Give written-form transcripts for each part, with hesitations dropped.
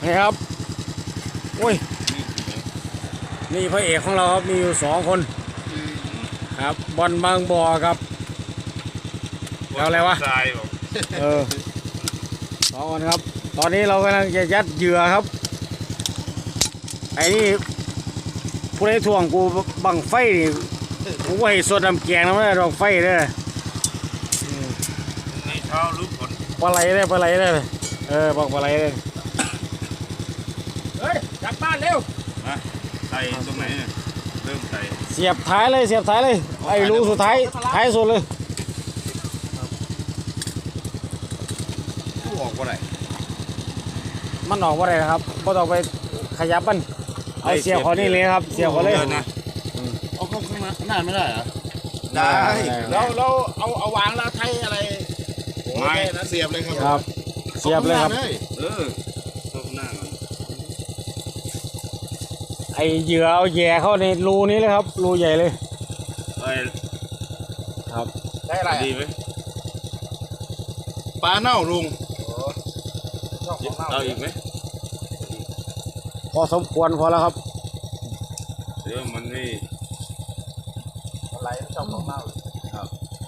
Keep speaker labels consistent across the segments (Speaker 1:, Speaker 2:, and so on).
Speaker 1: นี่ครับโอ้ยนี่พระเอกของเราครับมีอยู่2 คนครับบอลบางบ่อครับแล้วอะไรวะ2 คนครับตอนนี้เรากำลังจะยัดเหยื่อครับไอ้นี่ผู้ใดถ่วงกูบังไฟนี่กูว่าให้สดน้ำแกงนะไม่ได้ดอกไฟเด้อ
Speaker 2: นี่เท้ารู้ผล
Speaker 1: ปลาไหลเลยบอกปลาไหลเลยเฮ้ยกลับบ้านเร็ว
Speaker 2: มาใส่ตรงไหนเนี่ยเริ่มใส่
Speaker 1: เสียบท้ายเลยไอ้รูสุดท้ายสุดเลย
Speaker 2: ออกว่าไร
Speaker 1: มันออกว่าไรนะครับก็ต้องไปขยับมันเอาเสียบเขานี่เลยครับเสียบเขาเลย
Speaker 2: นะ
Speaker 3: เอาเข้าข้างหน้าไม่ได้เหรอ
Speaker 2: ได้
Speaker 3: เราเอาวางแล้วใช้อะไร
Speaker 2: ไม้
Speaker 3: เสียบเลย
Speaker 1: ครับเสียบเลยครับ
Speaker 2: เข้าหน้า
Speaker 1: ไอเหยื่อเอาแย่เข้าในรูนี้เลยครับรูใหญ่เลยครับ
Speaker 3: ได้อะไร
Speaker 2: ดีไหม
Speaker 3: ปลาเน่าลุง
Speaker 2: เอาอีกไหม
Speaker 1: พอสมควรพอแล้วครับ
Speaker 2: เดี๋ยวมันนี่
Speaker 3: อะไรเจ้าของเน่า
Speaker 2: ครับ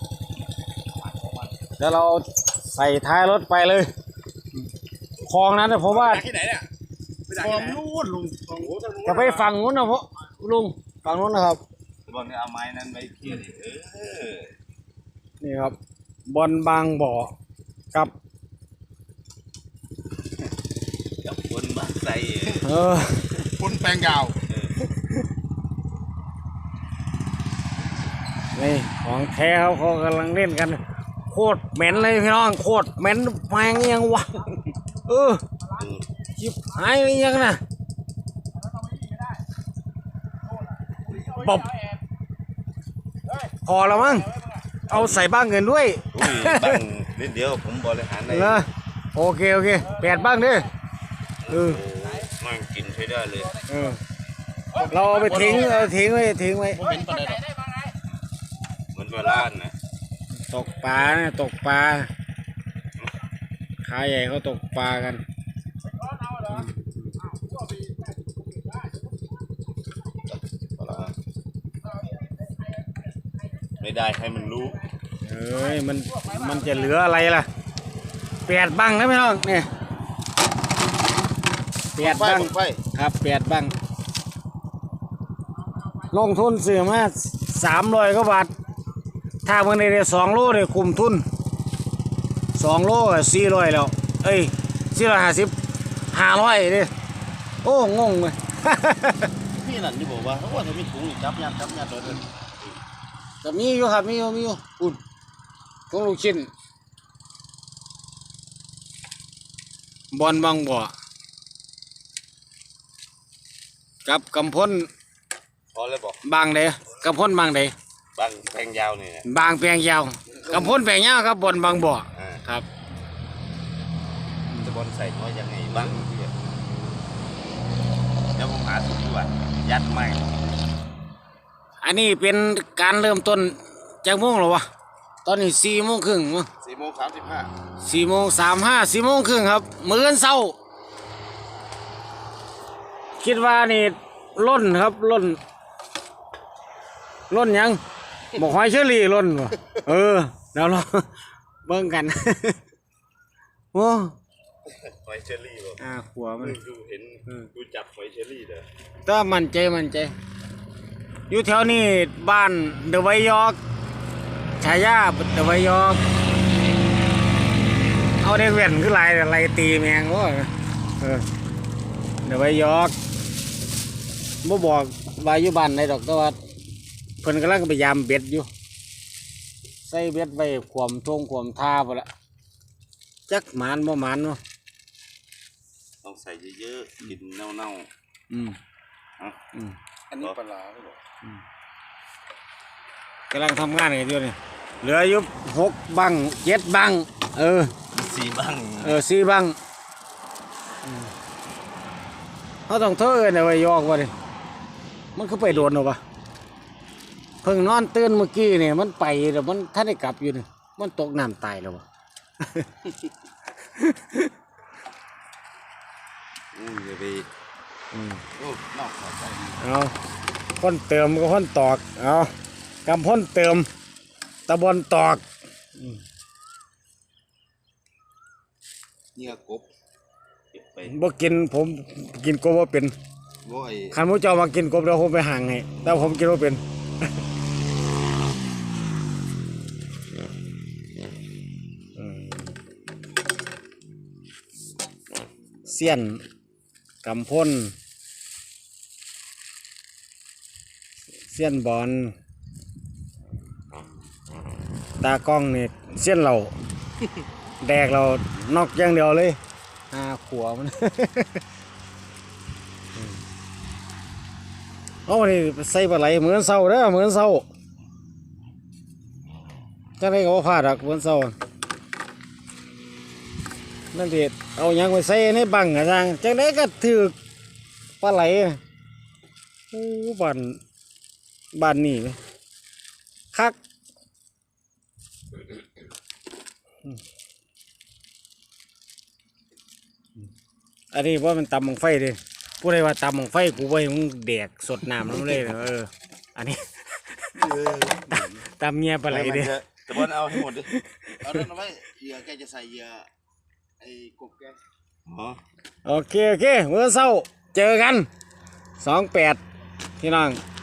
Speaker 1: เดี๋ยวเราใส่ท้ายรถไปเลยคลองนั้นนะผมว่า
Speaker 3: ที่ไหนเนี่ยคลองนู้นลุง
Speaker 1: จะไปฝั่งนู้นนะพ่อลุงฝั่งนู้นนะครับ
Speaker 2: บอลนี่เอาไม้นั้นไว้เคี่ย
Speaker 1: นี่ครับบอลบางบ่อกั
Speaker 2: บบนบางใส่
Speaker 3: คนแปลงยาว
Speaker 1: นี่ของแท้เขากำลังเล่นกันโคตรเหม็นเลยพี่น้องโคตรเหม็นแมงยังวะจิบหายยังนะปบพอแล้วมั้งเอาใส่บ้างเงินด้วย
Speaker 2: บ้างนิดเดียวผมบริหารได้
Speaker 1: นะโอเค8 บ้างดิ
Speaker 2: มันกินใช้ได้เลย
Speaker 1: เราเอาไปทิ้งไว้
Speaker 2: เหมือนปลาล้านนะ
Speaker 1: ตกปลาเนี่ยตกปลาขาใหญ่เขาตกปลากัน
Speaker 2: ไม่ได้ให้มันรู้
Speaker 1: มันจะเหลืออะไรล่ะ8 บ้างนะพี่น้องเนี่ย8 บ้างครับ8 บ้างลงทุนซื้อมา300 กว่าบาทถ้าเมื่อใน2 โลเนี่ยคุมทุน2 โล400แล้ว450 500เลยโอ้งงเลย
Speaker 3: พี่นั่นที่บอกว่าเขาว่าจะมีถุงจับยัดตัวเดิน
Speaker 1: แต่มีอยู่ครับมีอยู่อุ่นของลูกชิ้นบอลบางบ่อกับกำพล
Speaker 2: พอเลยบอก
Speaker 1: บางเด๋กำพลบางเด๋
Speaker 2: บางแปลงยาวนี่
Speaker 1: บางแปลงยาวกำพลแปลงยาวครับบอลบางบ่อครับ
Speaker 2: จะบอลใส่น้อยยังไงบ้างเดี๋ยวผมหาสูตรดีกว่ายัดไม้
Speaker 1: อันนี้เป็นการเริ่มต้นจากโมงหรอวะตอนนี้4 โมงครึ่งมั้ง
Speaker 3: 4 โมง
Speaker 1: 4 โมง 35 4 โมงครึ่งครับมื้อเช้าคิดว่านี่ล้นครับล้นยังบอกหอยเชอรี่ล้นวะเดี๋ยวเราเบิ่งกันโอ้
Speaker 2: หอยเชอรี่บ่
Speaker 1: ขัวมัน
Speaker 2: ดูเห็นดูจับหอยเชอรี่เลย
Speaker 1: ถ้ามั่นใจอยู่แถวนี้บ้านเดอะไวยอร์กฉายาเดอะไวยอร์กเอาเด็กเวียนคือลายตีแมงวะเดอะไวยอร์กบ่บอกว่าอยู่บ้านในดอกแต่ว่าเพิ่นกำลังพยายามเบ็ดอยู่ใส่เบ็ดไว้ขวมท่าไปละจักหมานบ่หมานวะ
Speaker 2: ต้องใส่เยอะๆกินเน่า
Speaker 3: อันนี้ปลาไม่หร
Speaker 1: อกำลังทำงานกันอยู่นี่เหลืออยู่6 บ้าง7 บ้าง
Speaker 2: 4 บ้าง
Speaker 1: 4 บ้างเขาต้องเท่ากันเอาไว้ยอกวะดิมันคือไปโดนหรอปะเพิ่งนอนตื่นเมื่อกี้เนี่ยมันไปแต่มันท่านได้กลับอยู่นี่มันตกน้ำตายแล้ววะ
Speaker 2: อย่าไป
Speaker 1: อืม
Speaker 3: โอ้นอกสอดใจดี
Speaker 1: เอาพ่นเติมก็พ่นตอกเอากำพ่นเติมตะบนตอก
Speaker 3: เนี่ยกบ
Speaker 2: เก็บไป
Speaker 1: บ่กินผมกินกบบ่เป็น
Speaker 3: บ่ไอ้
Speaker 1: คันผู้เจ้ามากินกบเดี๋ยวผมไปห่างให้แต่ผมกินบ่เป็นเสี้ยนกำพ่นเสี้ยนบอลตากล้องนี่เสี้ยนเหล่า แดกเรานอกอย่างเดียวเลยหาขัวมัน เอาวันนี้ใส่ปลาไหลเหมือนเศร้าเด้อเหมือนเศร้าจังได้ก็บ่พลาดหรอกเหมือนเศร้านั่นเด็ดเอาหยังไปใส่ในบังอะจังจังได้ก็ถือปลาไหลโอ้บ้านนี่ไหมคักอันนี้ว่ามันตำบังไฟเดิผู้ใดว่าตำบังไฟกูไว้มึงแดกสดน้ำน้ำเลยนะอันนี้ ตำเงียปลาไหลเดิ
Speaker 2: แต่บอลเอาให้หมดดิ
Speaker 3: เอาเรื่องเอาไว้เหยื่อแกจะใส่เหยื่อไอ้กบแก
Speaker 2: อ๋อ
Speaker 1: โอเคมื้อเช้าเจอกัน28พี่น้อง